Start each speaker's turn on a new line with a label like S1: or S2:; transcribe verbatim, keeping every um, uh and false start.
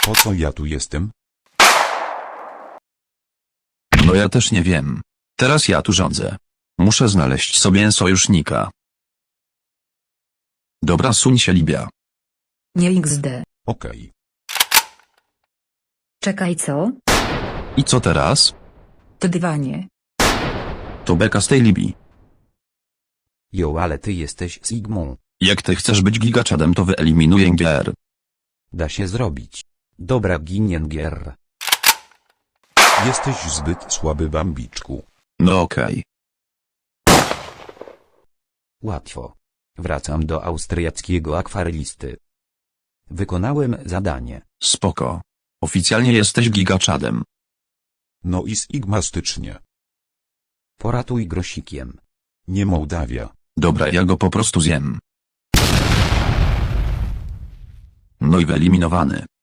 S1: Po co ja tu jestem?
S2: No ja też nie wiem. Teraz ja tu rządzę. Muszę znaleźć sobie sojusznika. Dobra, suń się, Libia.
S3: Nie iks de.
S1: Okej.
S3: Czekaj, co?
S2: I co teraz?
S3: To dywanie.
S2: To beka z tej Libii.
S4: Jo, ale ty jesteś Sigmą.
S2: Jak ty chcesz być gigaczadem, to wyeliminuję G R.
S4: Da się zrobić. Dobra, Giniengier.
S1: Jesteś zbyt słaby, bambiczku.
S2: No okej.
S4: Łatwo. Wracam do austriackiego akwarelisty. Wykonałem zadanie.
S2: Spoko. Oficjalnie jesteś gigaczadem.
S1: No i sigmastycznie.
S4: Poratuj grosikiem.
S1: Nie Mołdawia.
S2: Dobra, ja go po prostu zjem. No i wyeliminowany.